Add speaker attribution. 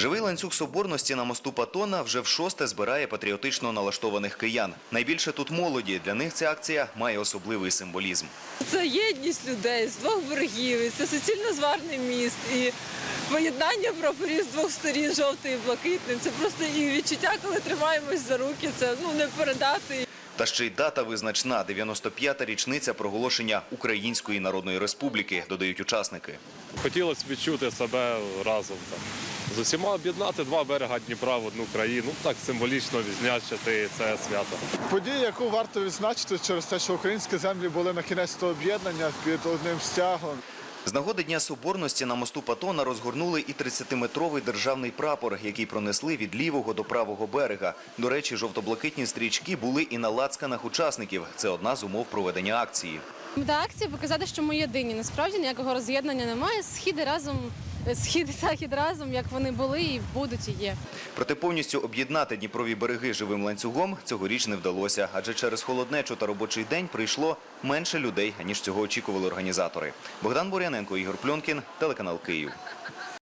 Speaker 1: Живий ланцюг соборності на мосту Патона вже в-6 збирає патріотично налаштованих киян. Найбільше тут молоді. Для них ця акція має особливий символізм.
Speaker 2: Це єдність людей з двох берегів, і це суцільно зварний міст, і поєднання прапорів з двох сторін, жовтий і блакитний. Це просто і відчуття, коли тримаємось за руки, це не передати.
Speaker 1: Та ще й дата визначна – 95-та річниця проголошення Української Народної Республіки, додають учасники.
Speaker 3: Хотілося відчути себе разом. З усіма об'єднати два берега Дніпра в одну країну. Так символічно відзначити це свято.
Speaker 4: Подія, яку варто відзначити через те, що українські землі були на кінець того об'єднання під одним стягом.
Speaker 1: З нагоди Дня Соборності на мосту Патона розгорнули і 30-метровий державний прапор, який пронесли від лівого до правого берега. До речі, жовто-блакитні стрічки були і на лацканах учасників. Це одна з умов проведення акції.
Speaker 5: Мета акції – показати, що ми єдині. Насправді ніякого роз'єднання немає. Схід і захід разом, як вони були і будуть, і є.
Speaker 1: Проте повністю об'єднати Дніпрові береги живим ланцюгом цьогоріч не вдалося, адже через холоднечу та робочий день прийшло менше людей, ніж цього очікували організатори. Богдан Бур'яненко, Ігор Пльонкін, телеканал Київ.